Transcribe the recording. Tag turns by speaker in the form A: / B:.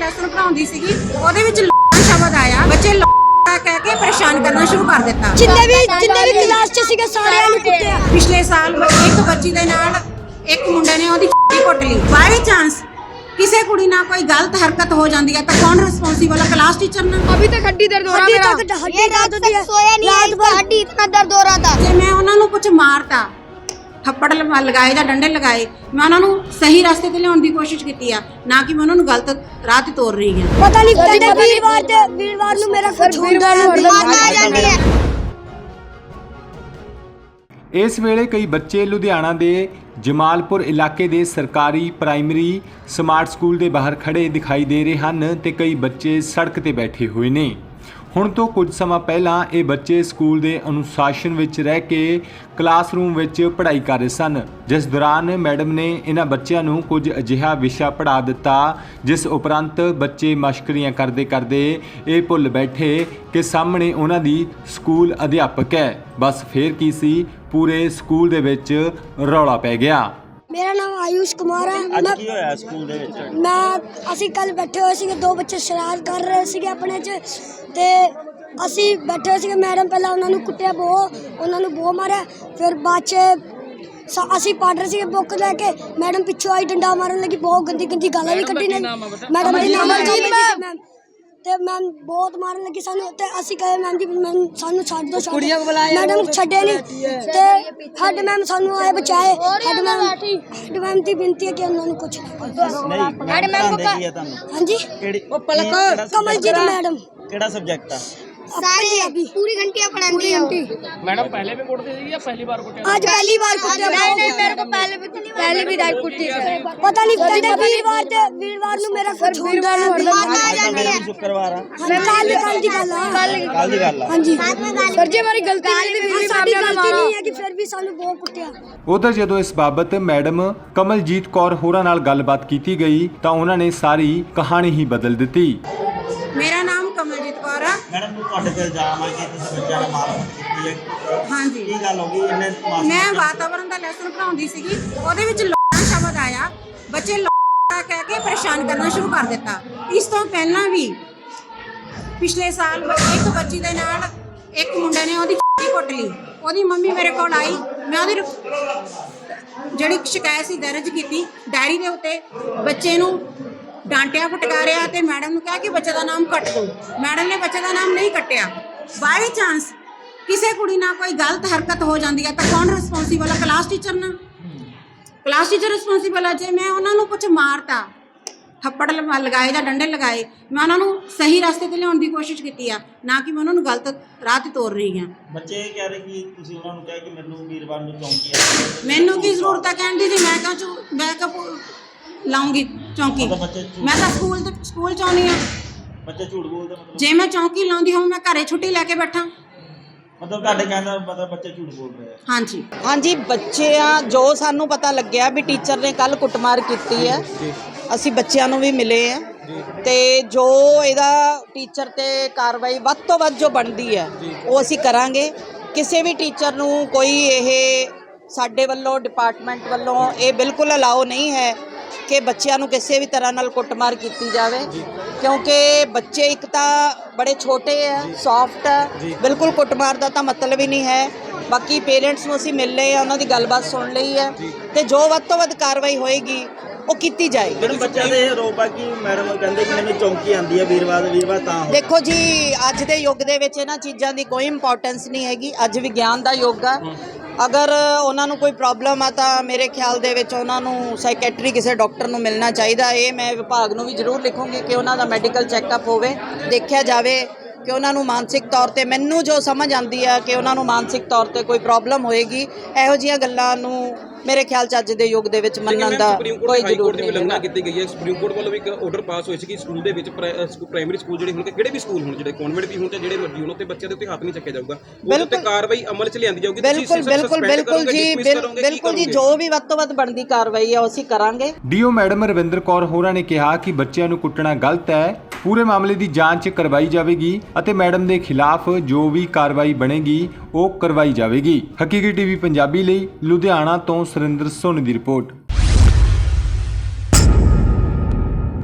A: Lesson ਪੜਾਉਂਦੀ ਸੀਗੀ ਉਹਦੇ ਵਿੱਚ ਸ਼ਬਦ ਆਇਆ, ਬੱਚੇ ਕਹਿ ਕੇ ਪਰੇਸ਼ਾਨ ਕਰਨਾ ਸ਼ੁਰੂ ਕਰ ਦਿੱਤਾ।
B: ਜਿੰਨੇ ਵੀ ਕਲਾਸ 'ਚ ਸੀਗੇ ਸਾਰਿਆਂ ਨੂੰ ਕੁੱਟਿਆ।
A: ਪਿਛਲੇ ਸਾਲ ਇੱਕ ਬੱਚੀ ਦੇ ਨਾਲ ਇੱਕ ਮੁੰਡੇ ਨੇ ਉਹਦੀ ਕੁੱਟ ਲਈ। ਬਾਈ ਚਾਂਸ ਕਿਸੇ ਕੁੜੀ ਨਾਲ ਕੋਈ ਗਲਤ ਹਰਕਤ ਹੋ ਜਾਂਦੀ ਹੈ ਤਾਂ ਕੌਣ ਰਿਸਪੌਂਸੀਬਲ ਹੈ? क्लास टीचर ना।
B: अभी तक हड्डी दर्द हो रहा है मेरा। ये रात तक सोया नहीं है, इसका हड्डी इतना दर्द हो रहा था।
A: जे मैं उन्होंने कुछ मारता, थप्पड़ लगाए या डंडे लगाए, मैं उन्होंने सही रास्ते ते लियाउण दी कोशिश कीती है, ना कि मैं उन्होंने गलत राह ते तोड़ रही है।
B: पता नहीं कहते वीरवार नु मेरा कुछ ਹੁੰਦਾ है।
C: इस वेले कई बच्चे लुधियाना के जमालपुर इलाके के सरकारी प्राइमरी स्मार्ट स्कूल के बाहर खड़े दिखाई दे रहे हैं तो कई बच्चे सड़क पर बैठे हुए ने। ਹੁਣ ਤੋਂ ਕੁਝ ਸਮਾਂ ਪਹਿਲਾਂ ਇਹ ਬੱਚੇ ਸਕੂਲ ਦੇ ਅਨੁਸ਼ਾਸਨ ਵਿੱਚ ਰਹਿ ਕੇ ਕਲਾਸਰੂਮ ਵਿੱਚ ਪੜ੍ਹਾਈ ਕਰ ਰਹੇ ਸਨ, ਜਿਸ ਦੌਰਾਨ ਮੈਡਮ ਨੇ ਇਹਨਾਂ ਬੱਚਿਆਂ ਨੂੰ ਕੁਝ ਅਜਿਹਾ ਵਿਸ਼ਾ ਪੜ੍ਹਾ ਦਿੱਤਾ ਜਿਸ ਉਪਰੰਤ ਬੱਚੇ ਮਸ਼ਕਰੀਆਂ ਕਰਦੇ ਕਰਦੇ ਇਹ ਭੁੱਲ ਬੈਠੇ ਕਿ ਸਾਹਮਣੇ ਉਹਨਾਂ ਦੀ ਸਕੂਲ ਅਧਿਆਪਕ ਹੈ। ਬਸ ਫੇਰ ਕੀ ਸੀ, ਪੂਰੇ ਸਕੂਲ ਦੇ ਵਿੱਚ ਰੌਲਾ ਪੈ ਗਿਆ।
B: मेरा नाम आयुष कुमार है।
D: ਅੱਜ ਕੀ ਹੋਇਆ ਸਕੂਲ ਦੇ ਵਿੱਚ?
B: मैं ਅਸੀਂ ਕੱਲ ਬੈਠੇ ਹੋਏ ਸੀਗੇ, ਦੋ ਬੱਚੇ ਸ਼ਰਾਰਤ ਕਰ ਰਹੇ ਸੀਗੇ ਆਪਣੇ 'ਚ ਤੇ ਅਸੀਂ ਬੈਠੇ ਸੀਗੇ। ਮੈਡਮ ਪਹਿਲਾਂ ਉਹਨਾਂ ਨੂੰ ਕੁੱਟਿਆ, ਉਹਨਾਂ ਨੂੰ ਬਹੁਤ ਮਾਰਿਆ। ਫਿਰ ਬਾਅਦ 'ਚ ਅਸੀਂ ਪੜ੍ਹ ਰਹੇ ਸੀਗੇ ਬੁੱਕ ਲੈ ਕੇ, ਮੈਡਮ ਪਿੱਛੋਂ ਆਈ ਡੰਡਾ ਮਾਰਨ ਲੱਗੀ, ਬਹੁਤ ਗੰਦੀ ਗਾਲਾਂ ਵੀ ਕੱਢੀ ਨੇ। ਮੈਡਮ ਦਾ ਨਾਮ ਮੈਮ ਤੇ ਮੈਮ ਬਹੁਤ ਮਾਰਨ ਲੱਗੀ ਸਾਨੂੰ ਤੇ ਅਸੀਂ ਕਹੇ ਮੈਮ ਜੀ ਸਾਨੂੰ ਛੱਡ ਦਿਓ, ਮੈਡਮ ਛੱਡੇ ਨਹੀਂ ਤੇ ਹੈਡ ਮੈਮ ਸਾਨੂੰ ਆਏ ਬਚਾਏ। ਹੈਡ ਮੈਮ ਦੀ ਬੇਨਤੀ ਹੈ ਕਿ ਉਹਨਾਂ ਨੂੰ ਕੁਝ
D: ਨਹੀਂ ਹੈਡ ਮੈਮ ਕੀ ਹੈ ਤੁਹਾਨੂੰ?
B: ਹਾਂਜੀ
D: ਕਿਹੜੀ
B: ਕਮਲਜੀਤ ਮੈਡਮ।
D: ਕਿਹੜਾ ਸਬਜੈਕਟ ਆ?
B: सारी पूरी घंटियां पढ़ाती है।
E: मैडम पहले भी कुटती थी या पहली बार कुटे?
B: आज पहली बार कुटे।
E: नहीं मेरे को पहले भी डांट कुटती थी।
B: पता नहीं कहते वीरवार नु मेरा कुछ ਹੁੰਦਾ है।
D: शुक्रवार आ
B: ਕੱਲ ਦੀ ਗੱਲ ਆ। ਹਾਂਜੀ ਸਰ ਜੀ ਹਮਾਰੀ ਗਲਤੀ ਨਹੀਂ, ਸਾਡੀ ਗਲਤੀ ਨਹੀਂ ਹੈ ਕਿ ਫਿਰ ਵੀ ਸਾਨੂੰ ਬਹੁਤ ਕੁੱਟਿਆ।
C: ਉਧਰ ਜਦੋਂ ਇਸ ਬਾਬਤ ਮੈਡਮ ਕਮਲਜੀਤ ਕੌਰ ਹੋਰਾਂ ਨਾਲ ਗੱਲਬਾਤ ਕੀਤੀ ਗਈ ਤਾਂ ਉਹਨਾਂ ਨੇ ਸਾਰੀ ਕਹਾਣੀ ਹੀ ਬਦਲ ਦਿੱਤੀ।
A: मेरा नाम कमलजीत कौर है।
D: ਮੈਡਮ ਨੂੰ ਤੁਹਾਡੇ ਤੇ ਇਲਜ਼ਾਮ ਆ ਕਿ ਤੁਸੀਂ ਬੱਚਿਆਂ ਨਾਲ ਮਾਰਕੁੱਟ ਕੀਤੀ ਹੈ।
A: ਹਾਂਜੀ
D: ਕੀ ਗੱਲ ਹੋ ਗਈ? ਇਹਨੇ
A: ਮੈਂ ਵਾਤਾਵਰਣ ਦਾ ਲੈਸਨ ਪੜਾਉਂਦੀ ਸੀਗੀ, ਉਹਦੇ ਵਿੱਚ ਸ਼ਬਦ ਆਇਆ, ਬੱਚੇ ਕਹਿ ਕੇ ਪਰੇਸ਼ਾਨ ਕਰਨਾ ਸ਼ੁਰੂ ਕਰ ਦਿੱਤਾ। ਇਸ ਤੋਂ ਪਹਿਲਾਂ ਵੀ ਪਿਛਲੇ ਸਾਲ ਇੱਕ ਬੱਚੀ ਦੇ ਨਾਲ ਇੱਕ ਮੁੰਡੇ ਨੇ ਉਹਦੀ ਕੁੱਟ ਲਈ। ਉਹਦੀ ਮੰਮੀ ਮੇਰੇ ਕੋਲ ਆਈ, ਮੈਂ ਉਹਦੀ ਜਿਹੜੀ ਸ਼ਿਕਾਇਤ ਸੀ ਦਰਜ ਕੀਤੀ ਡਾਇਰੀ ਦੇ ਉੱਤੇ। ਬੱਚੇ ਨੂੰ ਡਾਂਟਿਆ ਫਟਕਾਰਿਆ ਤੇ ਮੈਡਮ ਨੂੰ ਕਿਹਾ ਕਿ ਬੱਚੇ ਦਾ ਨਾਮ ਕੱਟ ਦਿਓ। ਮੈਡਮ ਨੇ ਬੱਚੇ ਦਾ ਨਾਮ ਨਹੀਂ ਕੱਟਿਆ। ਬਾਈ ਚਾਂਸ ਕਿਸੇ ਕੁੜੀ ਨਾਲ ਕੋਈ ਗਲਤ ਹਰਕਤ ਹੋ ਜਾਂਦੀ ਹੈ ਤਾਂ ਕੌਣ ਰਿਸਪੌਂਸੀਬਲ ਹੈ? क्लास टीचर ना। क्लास टीचर ਰਿਸਪੌਂਸੀਬਲ ਹੈ। ਜੇ ਮੈਂ ਉਹਨਾਂ ਨੂੰ ਕੁਝ ਮਾਰਤਾ, ਥੱਪੜ ਲਗਾਏ ਜਾਂ ਡੰਡੇ ਲਗਾਏ, ਮੈਂ ਉਹਨਾਂ ਨੂੰ ਸਹੀ ਰਸਤੇ ਤੇ ਲਿਆਉਣ ਦੀ ਕੋਸ਼ਿਸ਼ ਕੀਤੀ ਆ, ਨਾ ਕਿ ਮੈਂ ਉਹਨਾਂ ਨੂੰ ਗਲਤ ਰਾਹ ਤੇ ਤੋੜ ਰਹੀ ਹਾਂ।
D: ਬੱਚੇ ਇਹ ਕਹਿ ਰਹੇ ਕਿ ਤੁਸੀਂ ਉਹਨਾਂ ਨੂੰ ਕਿਹਾ ਕਿ ਮੈਨੂੰ ਵੀਰਵਾਰ ਨੂੰ ਚੌਂਕੀ ਆ।
A: ਮੈਨੂੰ ਕੀ ਜ਼ਰੂਰਤ ਹੈ ਕਹਿਣ ਦੀ ਜੀ? ਮੈਂ ਕਿਉਂ ਲਾਉਂਗੀ ਚੌਂਕੀ? ਮੈਂ ਤਾਂ ਸਕੂਲ ਚ ਆਉਂਦੀ ਹਾਂ।
D: ਬੱਚੇ ਝੂਠ ਬੋਲਦੇ ਮਤਲਬ?
A: ਜੇ ਮੈਂ ਚੌਂਕੀ ਲਾਉਂਦੀ ਹਾਂ ਮੈਂ ਘਰੇ ਛੁੱਟੀ ਲੈ ਕੇ ਬੈਠਾਂ।
D: ਮਤਲਬ ਤੁਹਾਡੇ ਕਹਿਣ ਦਾ ਮਤਲਬ ਬੱਚੇ ਝੂਠ ਬੋਲ ਰਹੇ ਆ?
A: ਹਾਂਜੀ
F: ਹਾਂਜੀ ਬੱਚਿਆਂ ਜੋ ਸਾਨੂੰ ਪਤਾ ਲੱਗਿਆ ਵੀ ਟੀਚਰ ਨੇ ਕੱਲ ਕੁੱਟਮਾਰ ਕੀਤੀ ਹੈ, ਅਸੀਂ ਬੱਚਿਆਂ ਨੂੰ ਵੀ ਮਿਲੇ ਆ ਤੇ ਜੋ ਇਹਦਾ ਟੀਚਰ ਤੇ ਕਾਰਵਾਈ ਵੱਧ ਤੋਂ ਵੱਧ ਜੋ ਬਣਦੀ ਹੈ ਉਹ ਅਸੀਂ ਕਰਾਂਗੇ। ਕਿਸੇ ਵੀ ਟੀਚਰ ਨੂੰ ਕੋਈ ਇਹ ਸਾਡੇ ਵੱਲੋਂ ਡਿਪਾਰਟਮੈਂਟ ਵੱਲੋਂ ਇਹ ਬਿਲਕੁਲ ਅਲਾਓ ਨਹੀਂ ਹੈ ਕਿ ਬੱਚਿਆਂ ਨੂੰ ਕਿਸੇ ਵੀ ਤਰ੍ਹਾਂ ਨਾਲ ਕੁੱਟਮਾਰ ਕੀਤੀ ਜਾਵੇ, ਕਿਉਂਕਿ ਬੱਚੇ ਇੱਕ ਤਾਂ ਬੜੇ ਛੋਟੇ ਹੈ, ਸੌਫਟ ਹੈ, ਬਿਲਕੁਲ ਕੁੱਟਮਾਰ ਦਾ ਤਾਂ ਮਤਲਬ ਹੀ ਨਹੀਂ ਹੈ। ਬਾਕੀ ਪੇਰੈਂਟਸ ਨੂੰ ਅਸੀਂ ਮਿਲ ਲਏ ਆ, ਉਹਨਾਂ ਦੀ ਗੱਲਬਾਤ ਸੁਣ ਲਈ ਹੈ ਤੇ ਜੋ ਵੱਧ ਤੋਂ ਵੱਧ ਕਾਰਵਾਈ ਹੋਏਗੀ ਉਹ ਕੀਤੀ ਜਾਏਗੀ।
D: ਜਿਹੜੇ ਬੱਚਿਆਂ ਦੇ ਆਰੋਪ ਆ ਕਿ ਮੈਡਮ ਕਹਿੰਦੇ ਕਿ ਮੈਨੂੰ ਚੌਂਕੀ ਆਉਂਦੀ ਹੈ ਵੀਰਵਾਰ ਤਾਂ ਹੋ।
F: ਦੇਖੋ ਜੀ ਅੱਜ ਦੇ ਯੁੱਗ ਦੇ ਵਿੱਚ ਇਹਨਾਂ ਚੀਜ਼ਾਂ ਦੀ ਕੋਈ ਇੰਪੋਰਟੈਂਸ ਨਹੀਂ ਹੈਗੀ। ਅੱਜ ਵਿਗਿਆਨ ਦਾ ਯੁੱਗ ਆ। ਅਗਰ ਉਹਨਾਂ ਨੂੰ ਕੋਈ ਪ੍ਰੋਬਲਮ ਆ ਤਾਂ ਮੇਰੇ ਖਿਆਲ ਦੇ ਵਿੱਚ ਉਹਨਾਂ ਨੂੰ ਸਾਈਕੈਟਰੀ ਕਿਸੇ ਡਾਕਟਰ ਨੂੰ ਮਿਲਣਾ ਚਾਹੀਦਾ। ਇਹ ਮੈਂ ਵਿਭਾਗ ਨੂੰ ਵੀ ਜ਼ਰੂਰ ਲਿਖੂੰਗੀ ਕਿ ਉਹਨਾਂ ਦਾ ਮੈਡੀਕਲ ਚੈੱਕਅਪ ਹੋਵੇ, ਦੇਖਿਆ ਜਾਵੇ ਕਿ ਉਹਨਾਂ ਨੂੰ ਮਾਨਸਿਕ ਤੌਰ ਤੇ, ਮੈਨੂੰ ਜੋ ਸਮਝ ਆਉਂਦੀ ਆ ਕਿ ਉਹਨਾਂ ਨੂੰ ਮਾਨਸਿਕ ਤੌਰ ਤੇ ਕੋਈ ਪ੍ਰੋਬਲਮ ਹੋਏਗੀ। ਇਹੋ ਜਿਹੀਆਂ ਗੱਲਾਂ ਨੂੰ ਮੇਰੇ ਖਿਆਲ ਚ ਅੱਜ ਦੇ ਯੁੱਗ ਦੇ ਵਿੱਚ ਮੰਨਣ ਦਾ ਕੋਈ ਜ਼ਰੂਰਤ ਨਹੀਂ।
E: ਉਲੰਘਣਾ ਕੀਤੀ ਗਈ ਹੈ। ਸੁਪਰੀਮ ਕੋਰਟ ਵੱਲੋਂ ਵੀ ਇੱਕ ਆਰਡਰ ਪਾਸ ਹੋਇਆ ਸੀ ਕਿ ਸਕੂਲ ਦੇ ਵਿੱਚ ਪ੍ਰਾਇਮਰੀ ਸਕੂਲ ਜਿਹੜੇ ਹੋਣਗੇ, ਕਿਹੜੇ ਵੀ ਸਕੂਲ ਹੋਣ, ਜਿਹੜੇ ਕਨਵੈਂਟ ਵੀ ਹੋਣ ਤੇ ਜਿਹੜੇ ਮਰਜ਼ੀ ਹੋਣ, ਤੇ ਬੱਚਿਆਂ ਦੇ ਉੱਤੇ ਹੱਥ ਨਹੀਂ ਚੱਕਿਆ ਜਾਊਗਾ, ਉਹਦੇ ਉੱਤੇ ਕਾਰਵਾਈ ਅਮਲ ਚ ਲਿਆਂਦੀ ਜਾਊਗੀ।
F: ਬਿਲਕੁਲ ਜੀ ਜੋ ਵੀ ਵੱਧ ਤੋਂ ਵੱਧ ਬਣਦੀ ਕਾਰਵਾਈ ਆ ਉਹ ਅਸੀਂ ਕਰਾਂਗੇ।
C: ਡੀਓ ਮੈਡਮ ਰਵਿੰਦਰ ਕੌਰ ਹੋਰਾਂ ਨੇ ਕਿਹਾ ਕਿ ਬੱਚਿਆਂ ਨੂੰ ਕੁੱਟਣਾ ਗਲਤ ਹੈ, ਪੂਰੇ ਮਾਮਲੇ ਦੀ ਜਾਂਚ ਕਰਵਾਈ ਜਾਵੇਗੀ ਅਤੇ ਮੈਡਮ ਦੇ ਖਿਲਾਫ ਜੋ ਵੀ ਕਾਰਵਾਈ ਬਣੇਗੀ ਉਹ ਕਰਵਾਈ ਜਾਵੇਗੀ। ਹਕੀਕੀ ਟੀਵੀ ਪੰਜਾਬੀ ਲਈ ਲੁਧਿਆਣਾ ਤੋਂ ਸੁਰਿੰਦਰ ਸੋਨੀ ਦੀ ਰਿਪੋਰਟ।